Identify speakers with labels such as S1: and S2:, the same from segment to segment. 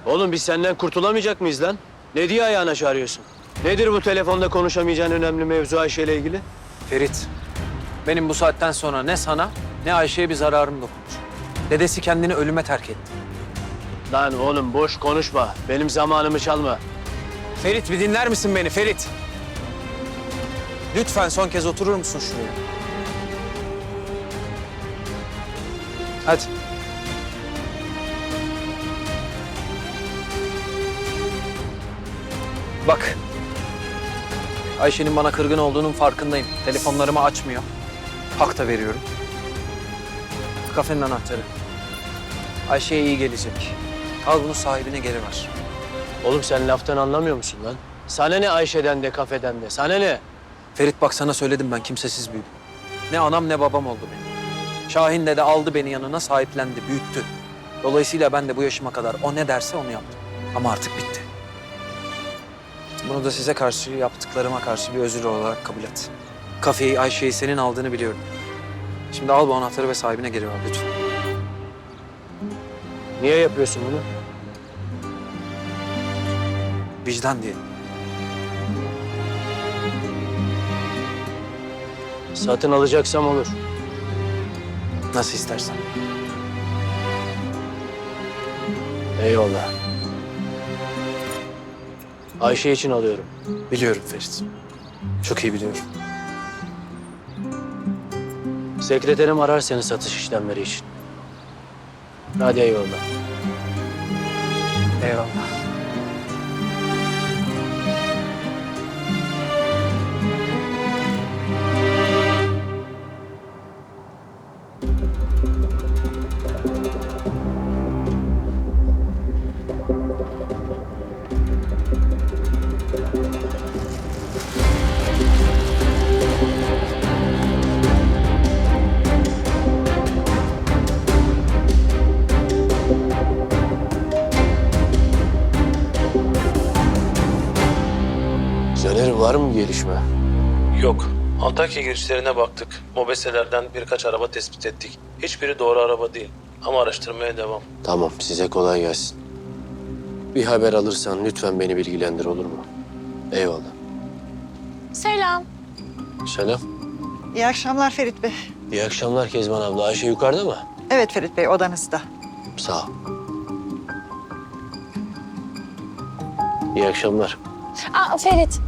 S1: Oğlum biz senden kurtulamayacak mıyız lan? Ne diye ayağına çağırıyorsun? Nedir bu telefonda konuşamayacağın önemli mevzu Ayşe ile ilgili?
S2: Ferit, benim bu saatten sonra ne sana ne Ayşe'ye bir zararım dokunur. Dedesi kendini ölüme terk etti.
S1: Lan oğlum boş konuşma. Benim zamanımı çalma.
S2: Ferit bir dinler misin beni Ferit? Lütfen son kez oturur musun şuraya? Hadi. Bak. Ayşe'nin bana kırgın olduğunun farkındayım. Telefonlarımı açmıyor. Hak da veriyorum. Kafenin anahtarı. Ayşe'ye iyi gelecek. Al bunu sahibine geri ver.
S1: Oğlum sen laftan anlamıyor musun lan? Sana ne Ayşe'den de kafeden de? Sana ne?
S2: Ferit bak sana söyledim ben kimsesiz büyüdüm. Ne anam ne babam oldu benim. Şahin de aldı beni yanına sahiplendi, büyüttü. Dolayısıyla ben de bu yaşıma kadar o ne derse onu yaptım. Ama artık bitti. Bunu da size karşı, yaptıklarıma karşı bir özür olarak kabul et. Kafeyi, Ayşe'yi senin aldığını biliyorum. Şimdi al bu anahtarı ve sahibine geri ver lütfen.
S1: Niye yapıyorsun bunu?
S2: Vicdan diye.
S1: Satın alacaksam olur.
S2: Nasıl istersen.
S1: Eyvallah. Ayşe için alıyorum.
S2: Biliyorum Ferit. Çok iyi biliyorum.
S1: Sekreterim arar seni satış işlemleri için. Hadi eyvallah.
S2: Eyvallah.
S1: Caner var mı gelişme?
S3: Yok. Antakya girişlerine baktık. Mobeselerden birkaç araba tespit ettik. Hiçbiri doğru araba değil. Ama araştırmaya devam.
S1: Tamam size kolay gelsin. Bir haber alırsan lütfen beni bilgilendir olur mu? Eyvallah.
S4: Selam.
S1: Selam.
S5: İyi akşamlar Ferit Bey.
S1: İyi akşamlar Kezban abla. Ayşe yukarıda mı?
S5: Evet Ferit Bey, odanızda.
S1: Sağ ol. İyi akşamlar.
S4: Aa Ferit.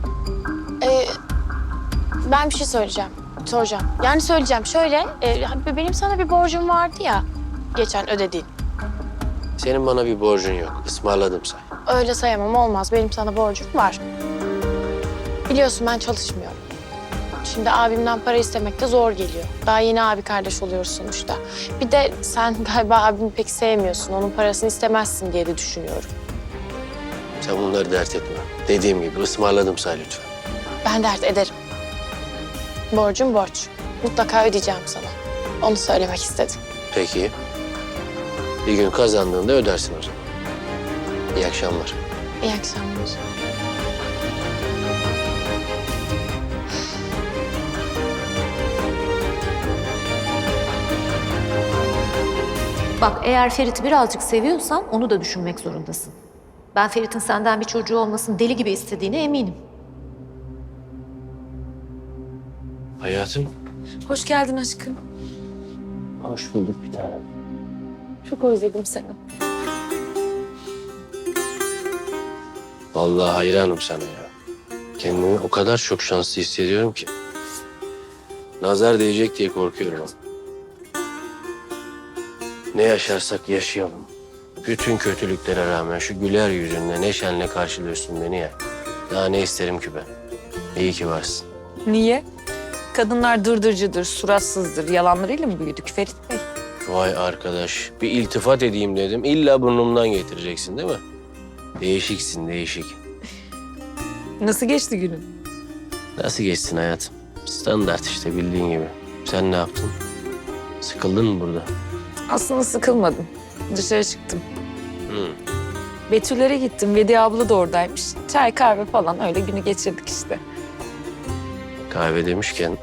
S4: Ben bir şey soracağım. Yani söyleyeceğim. Şöyle, benim sana bir borcum vardı ya. Geçen ödediğin.
S1: Senin bana bir borcun yok. Ismarladım say.
S4: Öyle sayamam, olmaz. Benim sana borcum var. Biliyorsun ben çalışmıyorum. Şimdi abimden para istemek de zor geliyor. Daha yeni abi kardeş oluyoruz sonuçta. Bir de sen galiba abimi pek sevmiyorsun. Onun parasını istemezsin diye de düşünüyorum.
S1: Sen bunları dert etme. Dediğim gibi ısmarladım say lütfen.
S4: Ben dert ederim. Borcum borç. Mutlaka ödeyeceğim sana. Onu söylemek istedim.
S1: Peki. Bir gün kazandığında ödersin o zaman. İyi akşamlar.
S4: İyi akşamlar.
S6: Bak eğer Ferit'i birazcık seviyorsan onu da düşünmek zorundasın. Ben Ferit'in senden bir çocuğu olmasını deli gibi istediğine eminim.
S1: Hayatım.
S4: Hoş geldin aşkım.
S1: Hoş bulduk bir tanem.
S4: Çok özledim seni.
S1: Vallahi hayranım sana ya. Kendimi o kadar çok şanslı hissediyorum ki. Nazar değecek diye korkuyorum. Ne yaşarsak yaşayalım. Bütün kötülüklere rağmen şu güler yüzünle neşenle karşılıyorsun beni ya. Daha ne isterim ki ben? İyi ki varsın.
S7: Niye? Kadınlar dırdırcıdır, suratsızdır. Yalanlarıyla mı büyüdük Ferit Bey?
S1: Vay arkadaş, bir iltifat edeyim dedim. İlla burnumdan getireceksin değil mi? Değişiksin, değişik.
S7: Nasıl geçti günün?
S1: Nasıl geçsin hayatım? Standart işte bildiğin gibi. Sen ne yaptın? Sıkıldın mı burada?
S7: Aslında sıkılmadım. Dışarı çıktım.
S1: Hı.
S7: Betüllere gittim. Vediye abla da oradaymış. Çay, kahve falan öyle günü geçirdik işte.
S1: Kahve demişken...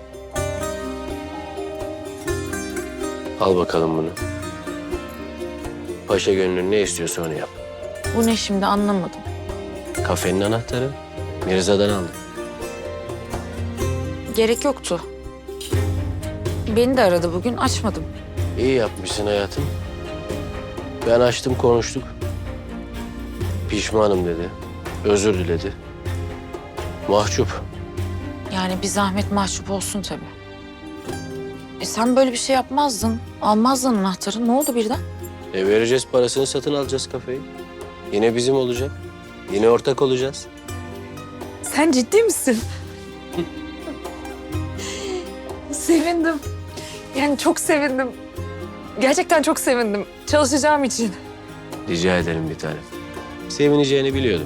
S1: Al bakalım bunu. Paşa gönlün ne istiyorsa onu yap.
S7: Bu ne şimdi anlamadım.
S1: Kafenin anahtarı Mirza'dan aldım.
S7: Gerek yoktu. Beni de aradı bugün, açmadım.
S1: İyi yapmışsın hayatım. Ben açtım, konuştuk. Pişmanım dedi. Özür diledi. Mahcup.
S7: Yani bir zahmet mahcup olsun tabii. Sen böyle bir şey yapmazdın. Almazdın anahtarı. Ne oldu birden?
S1: Vereceğiz parasını, satın alacağız kafeyi. Yine bizim olacak. Yine ortak olacağız.
S7: Sen ciddi misin? Sevindim. Yani çok sevindim. Gerçekten çok sevindim. Çalışacağım için.
S1: Rica ederim bir tanem. Sevineceğini biliyordum.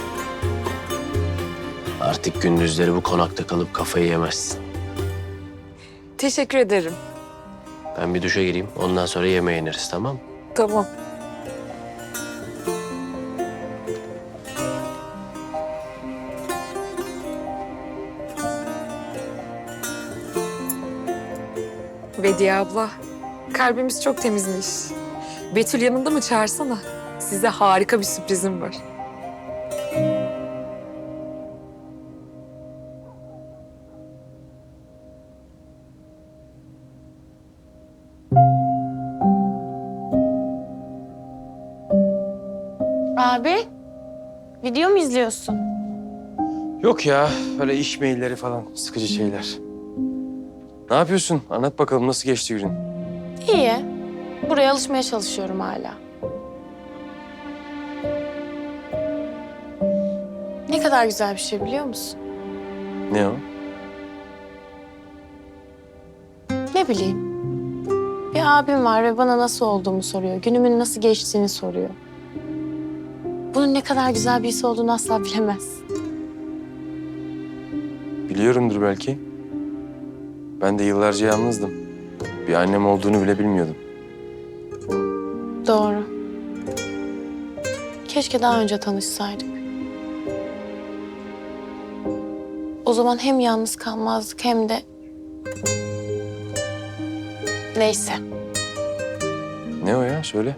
S1: Artık gündüzleri bu konakta kalıp kafayı yemezsin.
S7: Teşekkür ederim.
S1: Ben bir duşa gireyim. Ondan sonra yemeğe ineriz, tamam mı?
S7: Tamam. Bediye abla, kalbimiz çok temizmiş. Betül yanında mı, çağırsana? Size harika bir sürprizim var.
S4: Abi, video mu izliyorsun?
S8: Yok ya, öyle iş mailleri falan, sıkıcı şeyler. Ne yapıyorsun? Anlat bakalım, nasıl geçti günün?
S4: İyi. Buraya alışmaya çalışıyorum hala. Ne kadar güzel bir şey biliyor musun?
S8: Ne o?
S4: Ne bileyim. Bir abim var ve bana nasıl olduğumu soruyor. Günümün nasıl geçtiğini soruyor. Bunun ne kadar güzel bir his olduğunu asla bilemez.
S8: Biliyorumdur belki. Ben de yıllarca yalnızdım. Bir annem olduğunu bile bilmiyordum.
S4: Doğru. Keşke daha önce tanışsaydık. O zaman hem yalnız kalmazdık hem de... Neyse.
S8: Ne o ya? Söyle.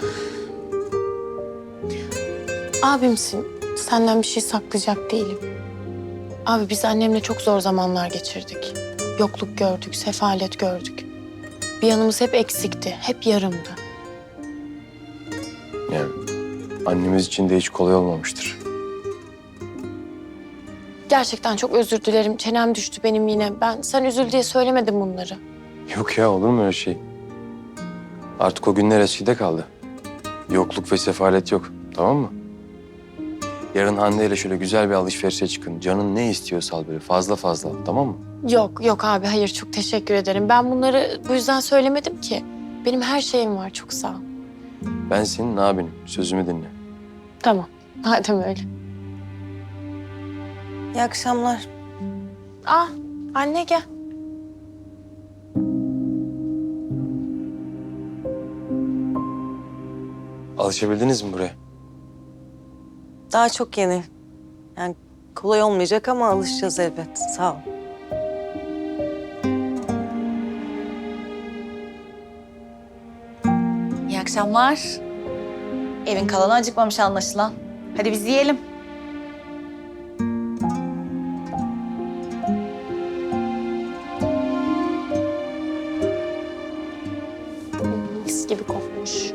S4: Abimsin. Senden bir şey saklayacak değilim. Abi biz annemle çok zor zamanlar geçirdik. Yokluk gördük, sefalet gördük. Bir yanımız hep eksikti, hep yarımdı.
S8: Yani annemiz için de hiç kolay olmamıştır.
S4: Gerçekten çok özür dilerim. Çenem düştü benim yine. Sen üzül diye söylemedim bunları.
S8: Yok ya, olur mu öyle şey? Artık o günler eskide kaldı. Yokluk ve sefalet yok, tamam mı? Yarın Hande ile şöyle güzel bir alışverişe çıkın. Canın ne istiyorsa al böyle fazla fazla, tamam mı?
S4: Yok abi hayır çok teşekkür ederim. Ben bunları bu yüzden söylemedim ki. Benim her şeyim var çok sağ ol.
S8: Ben senin abinim, sözümü dinle.
S4: Tamam madem öyle.
S9: İyi akşamlar.
S4: Anne gel.
S8: Alışabildiniz mi buraya?
S9: Daha çok yeni. Yani kolay olmayacak ama alışacağız elbet. Sağ ol.
S10: İyi akşamlar. Evin kalanı acıkmamış anlaşılan. Hadi biz yiyelim.
S4: Mis gibi kokmuş.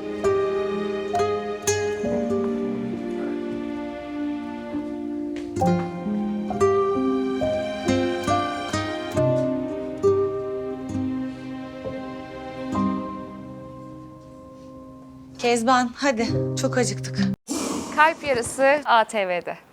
S10: Kezban hadi çok acıktık.
S7: Kalp Yarısı ATV'de.